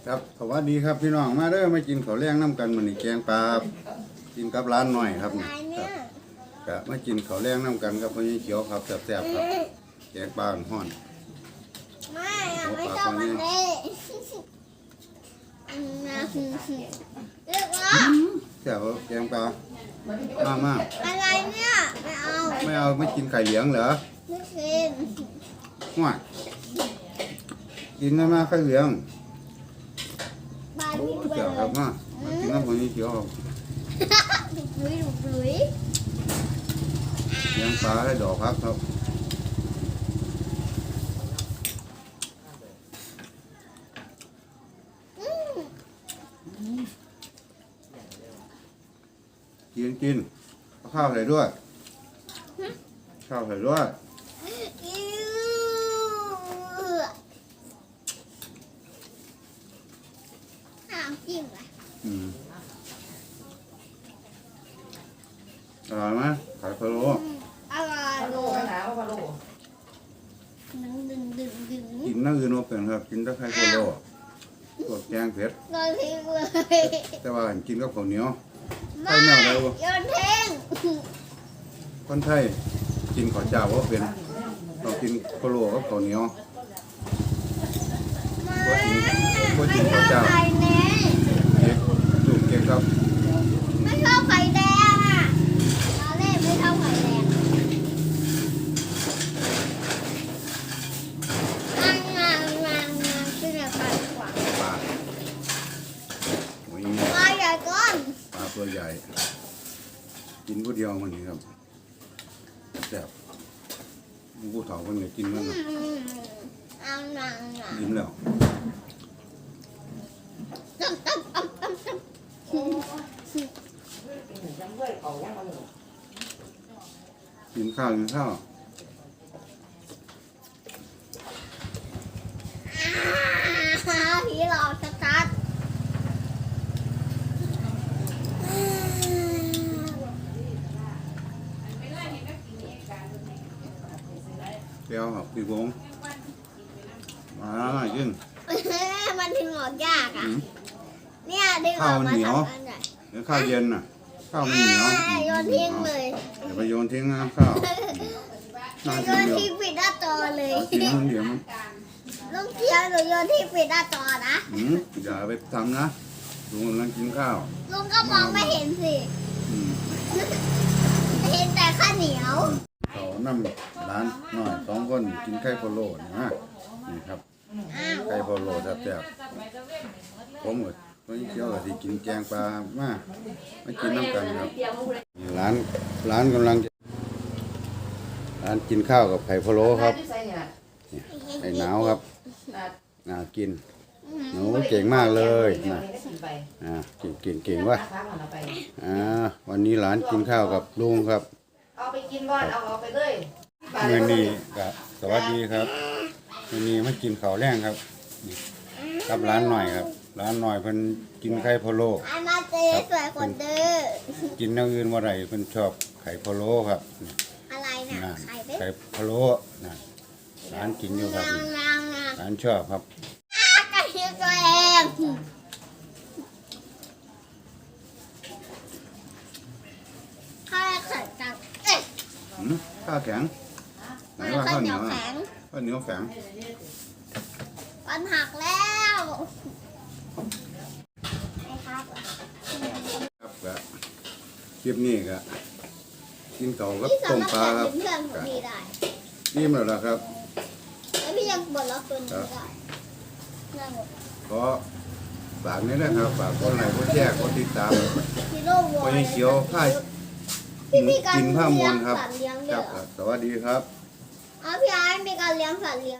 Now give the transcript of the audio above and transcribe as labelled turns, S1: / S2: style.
S1: ครับสวัสดีครับพี่น้องมาเด้อมากินข้าวแรงน้ำกันมื้อนี้แกงปลากินกับร้านหน่อยครับนี่ครับก็มากินข้าวแรงน้ำกันกับพ่อใหญ่เขียวครับแซ่บๆครับแกงปลาฮ้อน
S2: ไม่ชอบมันเลยเลือกว่า
S1: แซ่บแกงปลามาก
S2: อะไรเนี่ย
S1: ไม่เอาไม่กินไข่เหลืองเหรอ
S2: ไม่กิน
S1: ห่วยกินได้มาไข่เหลือง
S2: โอ้
S1: แซ่บครับมากินกับพ่อใหญ่เขียวครับ
S2: ดุย
S1: แกงปลาให้ดอกพักครับกินข้าวใส่ด้วยข้าวใส่ด้วย
S2: จิ้มอ่ะ
S1: อร่อยไหมไข่พะโล้
S2: อร่อย
S1: กินนั่งอื่นว่าเป็นครับกินแต่ไข่พะโล้ตัวแกงเผ็ดแต่ว่ากินกับข้าวเหนียวไข่แนวใดวะ
S2: โยนทิ้ง
S1: คนไทยกินข้าวเจ้าว่าเป็นต้องกินพะโล้กับข้าวเหนียวว่ากินข้าวเจ้าเก๊กลูกเก๊กครับ
S2: ไม่ชอบไข่แดงอ่ะตอนแรกไม่ชอบไข่แดงขึ้นมาปลาขวาง
S1: ปลาโอ้ย
S2: ปลาใหญ่ก้อน
S1: ปลาตัวใหญ่กินผู้เดียวมันนี่ครับแซ่บผู้เฒ่าคนนี้กินมันนะยิ้มแล้วกินข้าว
S2: ผีหลอกชัด
S1: เปรี้ยวครับพี่วงมากิน
S2: มันถึงออกยากอ่ะเนี่ยดึงออกมา
S1: ทำอันใหญ่เดี๋ยวข้าวเย็นน่ะข้าวมันเหนียว
S2: โยนทิ้งเลย
S1: อย่าไปโยนทิ้งนะข้าว
S2: โยนทิ้งปิดหน้าจอเลย
S1: ทิ้งมันเดี๋ยวมัน
S2: ลุงเคียวหนูโยนทิ้งปิดหน้าจอนะ
S1: อย่าไปทำนะลุงกำลังกินข้าว
S2: ลุงก็มองไม่เห็นสิเห็นแต่ข้าวเหนียว
S1: เขานำร้านหน่อย2 คนกินไข่พะโล้นะนี่ครับไข่พะโล้แซ่บๆผมก็วันนี้เที่ยวที่กินแกงปลามากินน้ำกันครับร้านกำลังร้านกินข้าวกับไข่พะโล้ครับไข่หนาวครับน่ากินหนูเก่งมากเลยนะเก่งว่ะวันนี้ร้านกินข้าวกับลุงครับ
S3: เอาไปกินก่อนเอาไปเลย
S1: มื้อนี้ก็สวัสดีครับมื้อนี้มากินข้าวแรงครับกับร้านหน่อยครับร้านหน่อยเพิ่นกินไข่พะโล้
S2: มาเจ๊สวยคนเด้อ
S1: กินอย่างอื่นบ่ได้เพิ่นชอบไข่พะโล้ครับ
S2: อะไรน่ะ
S1: ไข่พะโล้นะร้านกินอยู่ครับร้านชอบครับ
S2: ไก่ตัวเองข้าวแข็งจัง
S1: ข้าวแข็งไหนว่าข้าวเหนียวแข็งข้าวเหนียวแข็ง
S2: มันหักแล้ว
S1: ครับก็คลิปนี้ก็กินเก่ากับต้มปลาครับนิ่มแล้วล่ะครับ
S2: แล้วพี่ยังบ่นแล้วตัวนี้ได้
S1: ก็ฝากนี้นะครับฝากคนไหนคนแชร์คนติดตามคนเขียวผ้ากินผ้ามวลครับสวัสดีครับ
S2: พี่ไอ้มีการเลี้ยงสัตว์เลี้ยง